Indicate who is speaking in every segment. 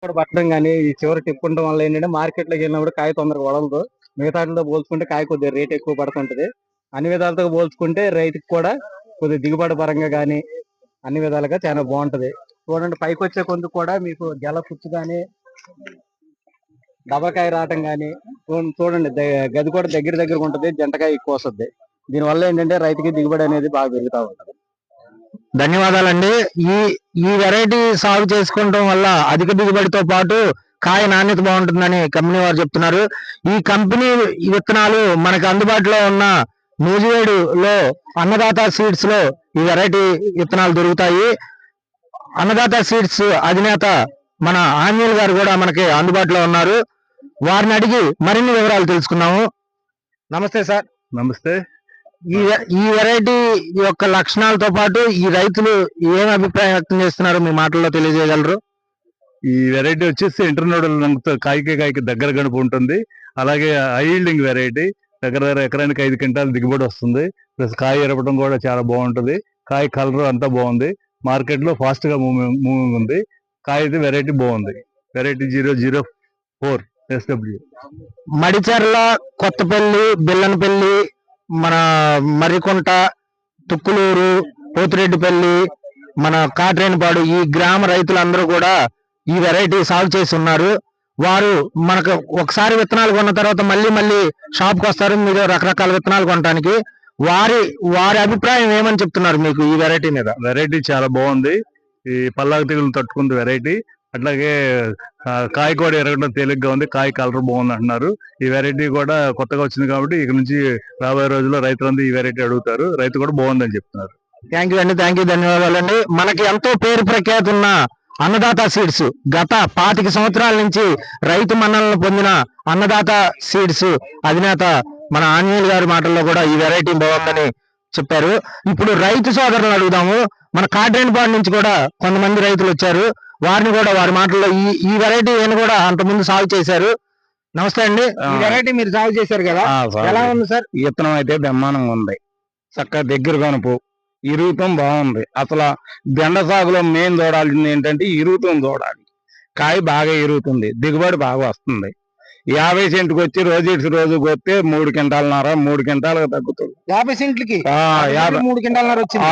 Speaker 1: పట్టడం కానీ ఈ చివరి తిప్పుకుంటం వల్ల ఏంటంటే మార్కెట్ లోకి వెళ్ళినప్పుడు కాయ తొందరగా వదలదు. మిగతా వాటితో పోల్చుకుంటే కాయ కొద్దిగా రేట్ ఎక్కువ పడుతుంటది. అన్ని విధాలతో పోల్చుకుంటే రైతుకి కూడా కొద్దిగా దిగుబడి పరంగా కానీ అన్ని విధాలుగా చాలా బాగుంటది. చూడండి పైకి వచ్చే కొందుకు కూడా మీకు గెల పుచ్చు కానీ డబకాయ రావటం కానీ చూడండి గది కూడా దగ్గర ఉంటది. జంటకాయ ఎక్కువ వస్తుంది. దీనివల్ల ఏంటంటే రైతుకి దిగుబడి అనేది బాగా పెరుగుతూ ఉంటది.
Speaker 2: ధన్యవాదాలండి. ఈ ఈ వెరైటీ సాగు చేసుకోవడం వల్ల అధిక దిగుబడితో పాటు కాయ నాణ్యత బాగుంటుందని కంపెనీ వారు చెప్తున్నారు. ఈ కంపెనీ విత్తనాలు మనకు అందుబాటులో ఉన్న నూజివేడులో అన్నదాత సీడ్స్ లో ఈ వెరైటీ విత్తనాలు దొరుకుతాయి. అన్నదాత సీడ్స్ అధినేత మన ఆంజనేయులు గారు కూడా మనకి అందుబాటులో ఉన్నారు. వారిని అడిగి మరిన్ని వివరాలు తెలుసుకున్నాము. నమస్తే సార్.
Speaker 1: నమస్తే.
Speaker 2: ఈ వెరైటీ యొక్క లక్షణాలతో పాటు ఈ రైతులు ఏం అభిప్రాయం వ్యక్తం చేస్తున్నారు మీ మాటల్లో తెలియజేయగలరు?
Speaker 1: ఈ వెరైటీ వచ్చేసి ఇంటర్నోడల్ రంగుతో కాయకి దగ్గర గడుపు ఉంటుంది. అలాగే హైల్డింగ్ వెరైటీ దగ్గర ఎకరానికి 5 క్వింటాలు దిగుబడి వస్తుంది. ప్లస్ కాయ ఎరపడం కూడా చాలా బాగుంటుంది. కాయ కలర్ అంతా బాగుంది. మార్కెట్ లో ఫాస్ట్ గా మూవింగ్ ఉంది. కాయ అయితే వెరైటీ బాగుంది. Variety 004 SW.
Speaker 2: మడిచెర్ల, కొత్తపల్లి, బెల్లనపల్లి, మన మర్రికుంట, తుక్కులూరు, పోతిరెడ్డిపల్లి, మన కాట్రేనిపాడు ఈ గ్రామ రైతులందరూ కూడా ఈ వెరైటీ సాగు చేసి ఉన్నారు. వారు మనకు ఒకసారి విత్తనాలు కొన్న తర్వాత మళ్ళీ షాప్కి వస్తారు మీరు రకరకాల విత్తనాలు కొనడానికి. వారి అభిప్రాయం ఏమని చెప్తున్నారు మీకు ఈ వెరైటీ మీద?
Speaker 1: వెరైటీ చాలా బాగుంది. ఈ పల్లాకు తెగులు తట్టుకుంది వెరైటీ. అట్లాగే కాయ కూడా ఎరగడం తేలిగ్గా ఉంది. కాయ కలర్ బాగుంది అంటున్నారు. ఈ వెరైటీ కూడా కొత్తగా వచ్చింది కాబట్టి ఇక నుంచి రాబోయే రోజుల్లో రైతులందరూ ఈ వెరైటీ అడుగుతారు. రైతు కూడా బాగుందని చెప్తున్నారు.
Speaker 2: థ్యాంక్ యూ అండి. థ్యాంక్ యూ, ధన్యవాదాలండి. మనకి ఎంతో పేరు ప్రఖ్యాతి ఉన్న అన్నదాత సీడ్స్ గత 25 సంవత్సరాల నుంచి రైతు మన్ననలు పొందిన అన్నదాత సీడ్స్ అధినేత మన ఆంజనేయులు గారి మాటల్లో కూడా ఈ వెరైటీ బాగుందని చెప్పారు. ఇప్పుడు రైతు సోదరులను అడుగుదాము. మన కాట్రేనిపాడు నుంచి కూడా కొంతమంది రైతులు వచ్చారు. వారిని కూడా వారి మాటల్లో ఈ వెరైటీ కూడా అంతకుముందు సాగు చేశారు. నమస్తే అండి. ఈ వెరైటీ మీరు సాగు చేశారు కదా, ఎలా ఉంది సార్?
Speaker 3: విత్తనం అయితే బ్రహ్మాండంగా ఉంది. చక్కగా దగ్గర కనుపు, ఇరుగుతం బాగుంది. అసలు బెండ సాగులో మెయిన్ చూడాల్సింది ఏంటంటే ఇరుగుతం చూడాలి. కాయ బాగా ఇరుగుతుంది, దిగుబడి బాగా వస్తుంది. 50 సెంట్కి వచ్చి రోజు కొస్తే 3 క్వింటాలన్నర 3 క్వింటాలకు తగ్గుతుంది.
Speaker 2: 50 సెంట్లకి
Speaker 3: 3
Speaker 2: క్వింటాలన్నర వచ్చింది.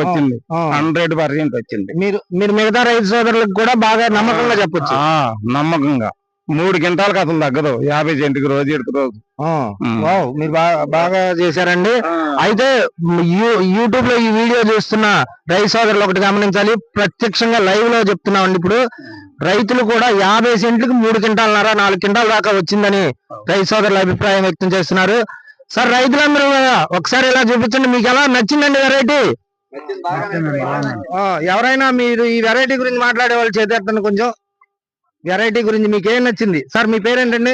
Speaker 3: 100% వచ్చింది.
Speaker 2: మీరు మిగతా రైతు సోదరులకు కూడా బాగా నమ్మకంగా చెప్పొచ్చు.
Speaker 3: నమ్మకంగా 3 క్వింటాలకు అసలు తగ్గదు. 50 సెంట్కి రోజు
Speaker 2: మీరు బాగా చేశారండి. అయితే యూట్యూబ్ లో ఈ వీడియో చూస్తున్న రైతు సోదరులు ఒకటి గమనించాలి. ప్రత్యక్షంగా లైవ్ లో చెప్తున్నామండి. ఇప్పుడు రైతులు కూడా 50 సెంట్లకు 3 క్వింటాలన్నర 4 క్వింటాల దాకా వచ్చిందని రైతు సోదరుల అభిప్రాయం వ్యక్తం చేస్తున్నారు. సార్, రైతులందరూ ఒకసారి ఇలా చూపించండి, మీకు ఎలా నచ్చిందండి వెరైటీ? ఎవరైనా మీరు ఈ వెరైటీ గురించి మాట్లాడే వాళ్ళు చేద్దాం. కొంచెం వెరైటీ గురించి మీకు ఏం నచ్చింది? సార్, మీ పేరేంటండి?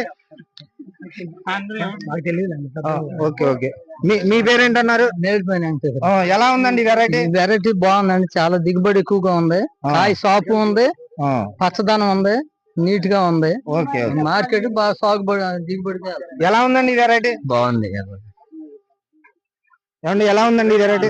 Speaker 2: ఓకే. మీ పేరేంటన్నారు? ఎలా ఉందండి వెరైటీ?
Speaker 4: వెరైటీ బాగుందండి. చాలా దిగుబడి ఎక్కువగా ఉంది. కాయ సాపు ఉంది, పచ్చదనం ఉంది, నీట్ గా ఉంది.
Speaker 2: ఓకే.
Speaker 4: మార్కెట్ బాగా సాగుబడి దిగుబడి.
Speaker 2: ఎలా ఉందండి వెరైటీ?
Speaker 4: బాగుంది.
Speaker 2: ఏమండి ఎలా ఉందండి వెరైటీ?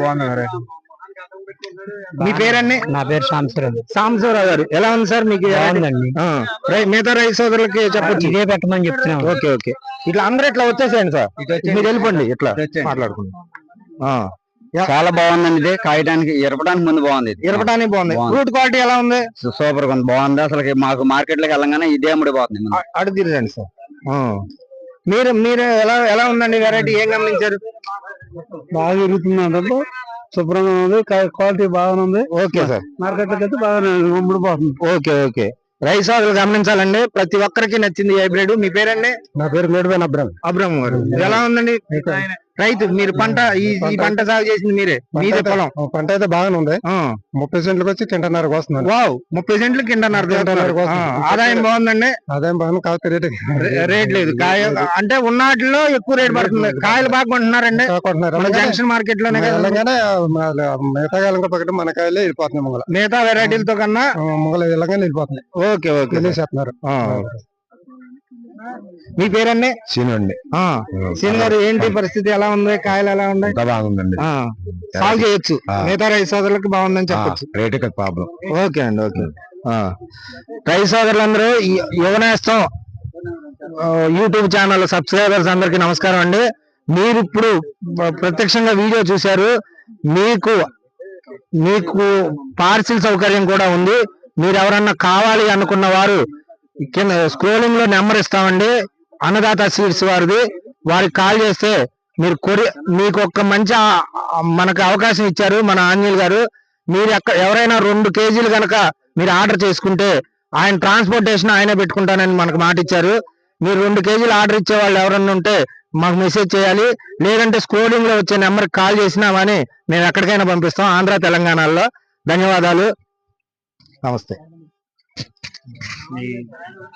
Speaker 2: మీ పేరండి?
Speaker 4: నా పేరు
Speaker 2: సాంబశివరావు గారు. ఎలా ఉంది సార్ మీకు? మిగతా రైతు సోదరులకి చెప్పొచ్చు,
Speaker 4: ఇదే పెట్టమని చెప్తున్నాం.
Speaker 2: ఓకే. ఇట్లా అందరూ ఇట్లా వచ్చేసేయండి సార్, మీరు వెళ్ళిపోండి. ఇట్లా మాట్లాడుకుంటాం.
Speaker 3: చాలా బాగుందండి. ఇది కాయడానికి ఎరపడానికి ముందు బాగుంది.
Speaker 2: ఇరపడానికి బాగుంది. ఫ్రూట్ క్వాలిటీ ఎలా ఉంది?
Speaker 3: సూపర్ గా ఉంది, బాగుంది. అసలు మాకు మార్కెట్ లోకి వెళ్ళగానే ఇదే అమ్ముడిపోతుంది.
Speaker 2: అడుగు తిరగండి సార్. మీరు ఎలా ఉందండి వెరైటీ? ఏం గమనించారు?
Speaker 4: బాగా ఇరుగుతుంది, శుభ్రంగా ఉంది, క్వాలిటీ బాగుంది.
Speaker 2: Okay sir.
Speaker 4: మార్కెట్ లోకి అయితే బాగా అమ్ముడిపోతుంది.
Speaker 2: ఓకే. రైతు సోదరులు గమనించాలండి, ప్రతి ఒక్కరికి నచ్చింది హైబ్రిడ్. మీ పేరండి?
Speaker 4: నా పేరు మేడిపోయిన
Speaker 2: అబ్రహం గారు. ఎలా ఉందండి రైతు? మీరు పంట ఈ పంట సాగు చేసింది మీరే, మీదే పొలం?
Speaker 4: పంట అయితే బాగానే ఉంది. 30 సెంట్లకు వచ్చి కింటన్నరకు వస్తుంది.
Speaker 2: 30 సెంట్లకు కింటన్నర. ఆదాయం బాగుందండి.
Speaker 4: ఆదాయం బాగుంది, కాకపోతే
Speaker 2: రేట్ లేదు. కాయ అంటే ఉన్నట్లో ఎక్కువ రేట్ పడుతుంది. కాయలు బాగా కొంటున్నారండి జంక్షన్ మార్కెట్ లోనే.
Speaker 4: మిగతా కాలం పక్కన మన కాయలే వెళ్ళిపోతున్నాయి.
Speaker 2: మిగతా వెరైటీలతో కన్నా
Speaker 4: మొగలు ఇలాగానే వెళ్ళిపోతున్నాయి.
Speaker 2: ఓకే.
Speaker 4: వెళ్ళేసేస్తున్నారు.
Speaker 2: మీ పేరండి?
Speaker 3: సీను అండి.
Speaker 2: సీన్ గారు, ఏంటి పరిస్థితి? ఎలా ఉంది? కాయలు ఎలా ఉన్నాయి?
Speaker 3: బాగుందండి.
Speaker 2: సాగు చేయొచ్చు, మిగతా రైతు సోదరులకు బాగుందని చెప్పొచ్చు.
Speaker 3: Rate problem.
Speaker 2: ఓకే అండి. రైతు సోదరులందరూ యువనేస్తం యూట్యూబ్ ఛానల్ సబ్స్క్రైబర్స్ అందరికి నమస్కారం అండి. మీరు ఇప్పుడు ప్రత్యక్షంగా వీడియో చూశారు. మీకు పార్సిల్ సౌకర్యం కూడా ఉంది. మీరు ఎవరన్నా కావాలి అనుకున్న వారు కింద స్క్రోలింగ్ లో నెంబర్ ఇస్తామండి, అన్నదాత సీడ్స్ వారిది. వారికి కాల్ చేస్తే మీరు మీకు ఒక మంచి మనకు అవకాశం ఇచ్చారు మన ఆంజనేయులు గారు. మీరు ఎవరైనా 2 కేజీలు కనుక మీరు ఆర్డర్ చేసుకుంటే ఆయన ట్రాన్స్పోర్టేషన్ ఆయనే పెట్టుకుంటానని మనకు మాట ఇచ్చారు. మీరు 2 కేజీలు ఆర్డర్ ఇచ్చే వాళ్ళు ఎవరన్నా ఉంటే మాకు మెసేజ్ చేయాలి, లేదంటే స్క్రోలింగ్ లో వచ్చే నెంబర్కి కాల్ చేసినా కానీ మేము ఎక్కడికైనా పంపిస్తాం, ఆంధ్ర తెలంగాణలో. ధన్యవాదాలు, నమస్తే.